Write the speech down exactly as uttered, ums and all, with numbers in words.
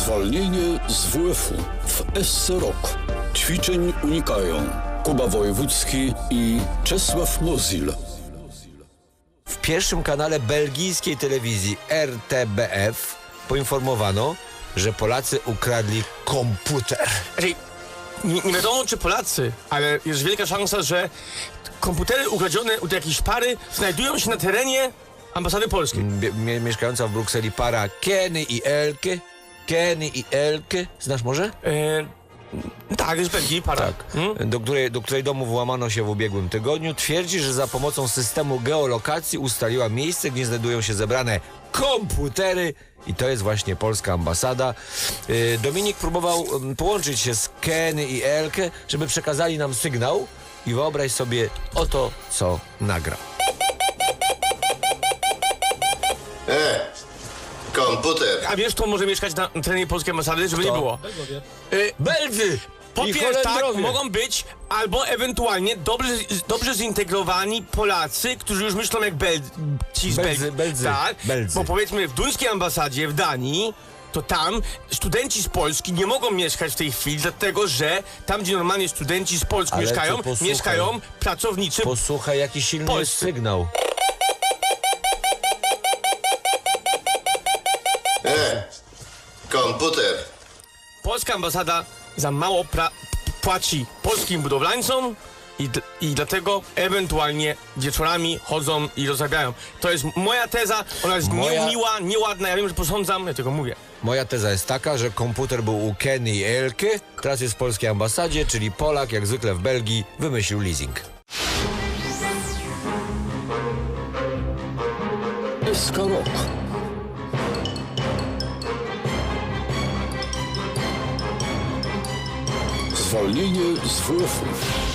Zwolnienie z W F u w S C Rok. Ćwiczeń unikają Kuba Wojewódzki i Czesław Mozil. W pierwszym kanale belgijskiej telewizji R T B F poinformowano, że Polacy ukradli komputer. Znaczy, nie, nie wiadomo czy Polacy, ale jest wielka szansa, że komputery ukradzione od jakiejś pary znajdują się na terenie ambasady polskiej. Mie- mie- mieszkająca w Brukseli para Kenny i Elke. Kenny i Elke. Znasz może? E, tak, jest Belgii para. Tak. Hmm? Do której, do której domu włamano się w ubiegłym tygodniu. Twierdzi, że za pomocą systemu geolokacji ustaliła miejsce, gdzie znajdują się zebrane komputery i to jest właśnie polska ambasada. Yy, Dominik próbował ym, połączyć się z Kenny i Elke, żeby przekazali nam sygnał i wyobraź sobie oto, co nagrał. E, komputer. A wiesz, kto może mieszkać na terenie polskiej ambasady, żeby Kto? nie było? E, Belgy! Po I pierwsze, tak, Holendrowie. mogą być albo ewentualnie dobrze, dobrze zintegrowani Polacy, którzy już myślą jak Bel... ci z Beldzy, Belgii. Beldzy, Tak, Beldzy. bo powiedzmy w duńskiej ambasadzie w Danii, to tam studenci z Polski nie mogą mieszkać w tej chwili, dlatego że tam, gdzie normalnie studenci z Polski Ale mieszkają, to posłuchaj. mieszkają pracownicy. Posłuchaj, jaki silny jest Polscy. sygnał. E, komputer. Polska ambasada za mało pra- płaci polskim budowlańcom i, d- i dlatego ewentualnie wieczorami chodzą i rozrabiają. To jest moja teza, ona jest Moja- niemiła, nieładna, ja wiem, że posądzam, ja tego mówię. Moja teza jest taka, że komputer był u Kenny i Elke, teraz jest w polskiej ambasadzie, czyli Polak, jak zwykle w Belgii, wymyślił leasing. S K Rok. Zwolnienie z W F u.